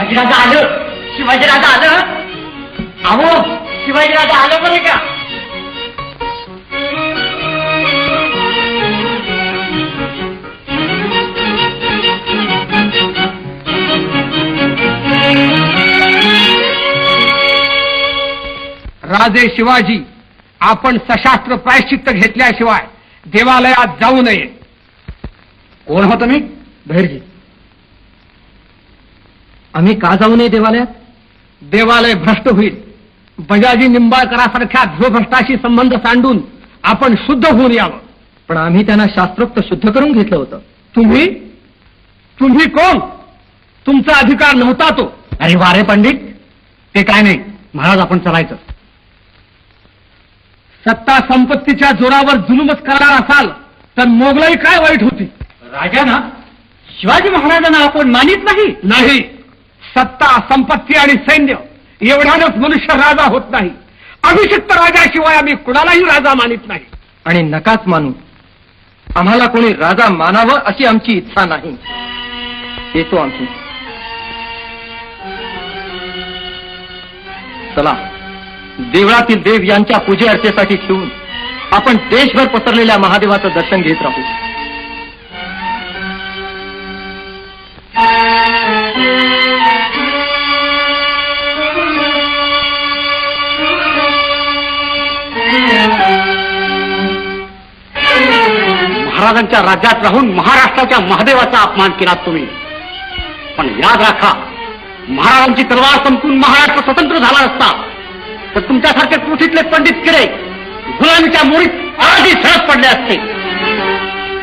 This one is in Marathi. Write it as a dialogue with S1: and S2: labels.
S1: शिवाजीराजा आलं, शिवाजीराजा आलं. अहो शिवाजीराजा आलं बरं का.
S2: राजे शिवाजी, आपण सशास्त्र प्रायश्चित्त घेतल्याशिवाय देवालयात जाऊ नये.
S3: कोण हो तुम्ही?
S2: धैर्य.
S3: आम्ही का जाऊ नये देवालयात?
S2: देवालय भ्रष्ट होईल. बजाजी निंबाळकरासारख्या ध्रुवभ्रष्टाशी संबंध सांडून आपण शुद्ध होऊन यावं.
S3: पण आम्ही त्यांना शास्त्रोक्त शुद्ध करून घेतलं होतं.
S2: तुम्ही कोण? तुमचा अधिकार नव्हता तो.
S3: अरे वारे पंडित, ते काय नाही. महाराज, आपण चलायचं.
S2: सत्ता संपत्तीच्या जोरावर जुलूमच करणार असाल तर मोगलाई काय वाईट होती?
S3: राजांना, शिवाजी महाराजांना आपण मानित
S2: नाही. सत्ता संपत्ती आणि सैन्य एवढ्यानंच मनुष्य राजा होत नाही. अभिषिक्त राजाशिवाय आम्ही कुणालाही राजा मानित नाही.
S3: आणि नकाच मानू. आम्हाला कोणी राजा मानावं अशी आमची इच्छा नाही. येतो आमची. चला, देवळातील देव यांच्या पूजे अर्चेसाठी ठेवून आपण देशभर पसरलेल्या महादेवाचं दर्शन घेत राहू.
S1: महाराजांच्या राज्यात राहून महाराष्ट्राच्या महादेवाचा अपमान केला तुम्ही. पण याद राखा, महाराजांची तलवार संपून महाराष्ट्र स्वतंत्र झाला असता तर तुमच्यासारखे पृथ्वीतले पंडित किडे गुलामीच्या मोडीत आधी सळत पडले असते.